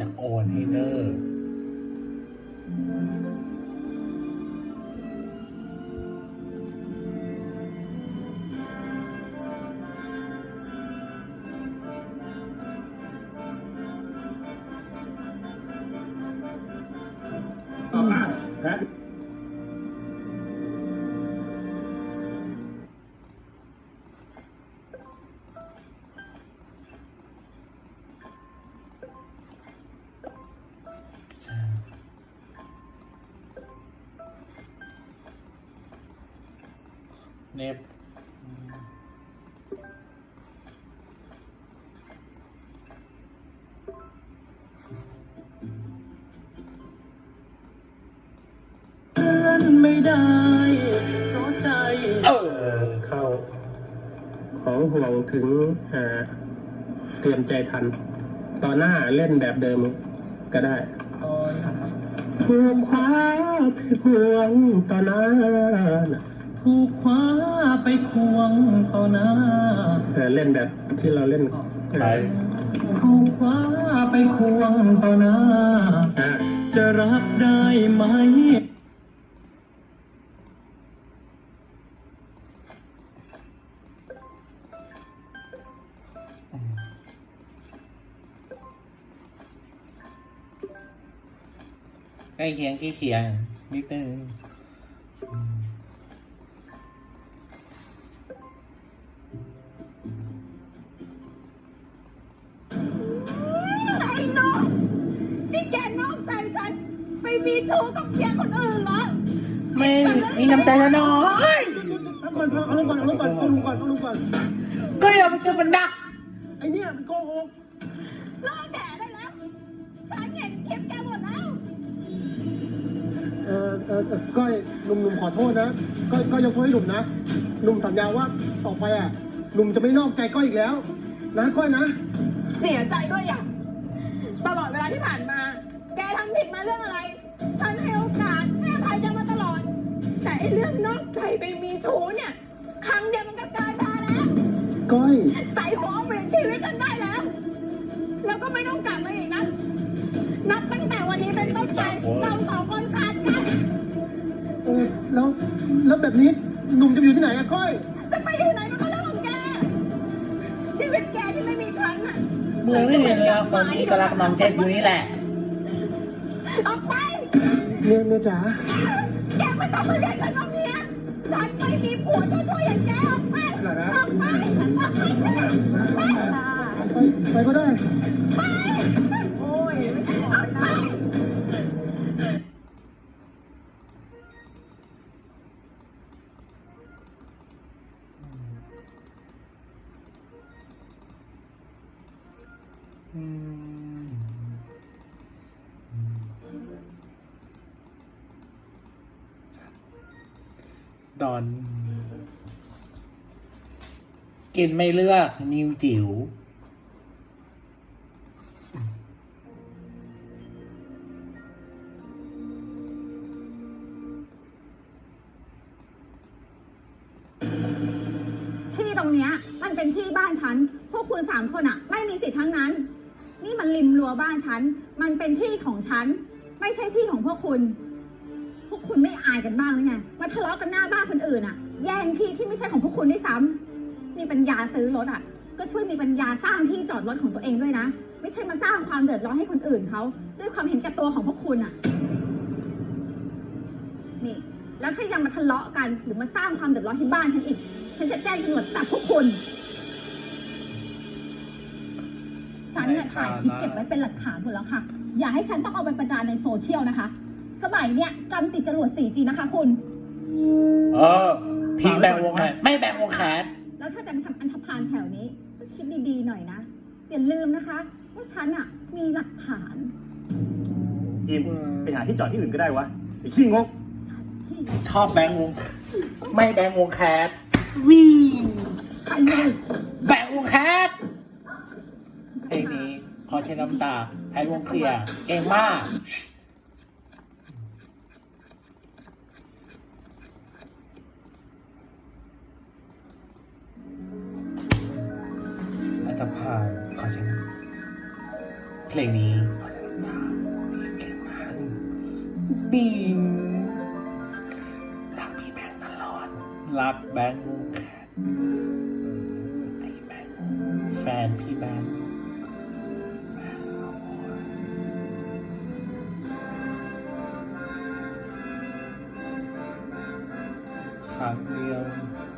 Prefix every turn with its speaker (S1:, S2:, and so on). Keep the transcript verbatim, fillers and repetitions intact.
S1: จะโอนให้เนอร์
S2: ฮะ
S1: เน็บ
S3: ไม่ได้เพราะใจ
S1: เออ
S2: เข้าของห่วงถึงหาเตรียมใจทันตอนหน้าเล่นแบบเดิมก็ได้ถูกคว้าไปห่วงตอนหน้า
S3: ถูกคว้าไปควงต่อหน้า
S2: เออเล่นแบบที่เราเล่น
S1: ไป
S3: ถูกคว้าไปควงต่อหน้า
S2: อ่ะ
S3: จะรับได้ไหม
S1: ใกล้เคียงใกล้เคียงนิดนึง
S4: ไอ้น้องนี่แกนอกใจฉันไปมีชู้กับเสียคนอื่นเหรอ
S1: ไม่มีน้ำใจแล้วน้อย
S2: เอาก่อนเอาลงก่อนเอาลงก่อนเอาลงก่อนเอาลงก่อน
S1: ก็อย่าไปเชื่อมันดัก
S2: ไอเนี่ยมันโกหก
S4: เลิกแดดได้แล้วฉันเห็นคลิปแกหมดแล้ว
S2: เออเออเออก้อยหนุ่มหนุ่มขอโทษนะก้อยก้อยยกโทษให้หนุ่มนะหนุ่มสัญญาว่าต่อไปอ่ะหนุ่มจะไม่นอกใจก้อยอีกแล้ว นะก้อยนะ
S4: เสียใจด้วยอย่างตลอดเวลาที่ผ่านมา แกทำผิดมาเรื่องอะไร ฉันให้โอกาสให้อภัยแกมาตลอด แต่ไอ้เรื่องนอกใจไปมีชู้เนี่ย ครั้งเดียวมันก็เกินพอแล้ว
S2: ก้อย
S4: ใส่หัวเปลี่ยนชีวิตฉันได้แล้ว แล้วก็ไม่ต้องกลับมาอีกนะ นับตั้งแต่วันนี้เป็นต้นไปเราสองคนขาดกัน
S2: เออแล้วแล้วแบบนี้หนุ่มจะไปอยู่ที่ไหนอะก้อย
S4: จะไปอยู่ไหนมันก็เรื่องของแก ชีวิตแกที่ไม่มีครั้งอ่ะ
S1: เมืองไม่มีแล้วคนนี้ก็รักน้องเจ็ดอยู่นี่แหละ
S4: ออกไป
S2: เมียเมียจ๋า
S4: แกไม่ต้องมาเรียกฉันว่าเมียฉันไม่มีผัวเจ้าช่วยอย่างแกออกไป ออกไป ออกไปไป
S2: ไปไปก็ได้
S4: ไปโอ้ยออกไป
S1: อืมดอน กินไม่เลือก นิวจิ๋ว
S4: ที่ตรงเนี้ยมันเป็นที่บ้านฉัน พวกคุณสามคนอ่ะ ไม่มีสิทธิ์ทั้งนั้น นี่มันริมรั้วบ้านฉัน มันเป็นที่ของฉัน ไม่ใช่ที่ของพวกคุณ พวกคุณไม่อายกันบ้างหรือไง มาทะเลาะกันหน้าบ้านคนอื่นอ่ะ แย่งที่ที่ไม่ใช่ของพวกคุณด้วยซ้ำมีปัญญาซื้อรถอ่ะ ก็ช่วยมีปัญญาสร้างที่จอดรถของตัวเองด้วยนะ ไม่ใช่มาสร้างความเดือดร้อนให้คนอื่นเขาด้วยความเห็นแก่ตัวของพวกคุณอ่ะ นี่ แล้วถ้ายังมาทะเลาะกันหรือมาสร้างความเดือดร้อนให้บ้านฉันอีก ฉันจะแจ้งตำรวจจับพวกคุณ
S5: ฉันเนี่ยถ่ายคลิปเก็บไว้เป็นหลักฐานหมดแล้วค่ะ อย่าให้ฉันต้องเอาไปประจานในโซเชียลนะคะ สมัยเนี่ยกำติดจรวด โฟร์จี นะคะคุณ
S1: เออ พีแบ่งวงแขนไม่แบ่งวงแขน
S4: แล้วถ้าจะมาทำอันธพาลแถวนี้ก็คิดดีๆหน่อยนะ อย่าลืมนะคะว่าฉันอ่ะมีหลักฐาน
S6: อิมไปหาที่จอดที่อื่นก็ได้วะไอ้ขี้งก
S1: ชอบแบ่งวง ไม่แบ่งวงแขนวิ่ง
S4: ใครเลย
S1: แบ่งวงแขนเพลงนี้ขอใช้น้ำตาให้วงเคลียร์เก่งมากอันธพาลขอใช้น้ำเพลงนี้ขอใช้น้ำบิงรักพี่แบงค์ตลอดรักแบงค์ไอ้แบงค์แฟนพี่แบงค์ครั้งเดียว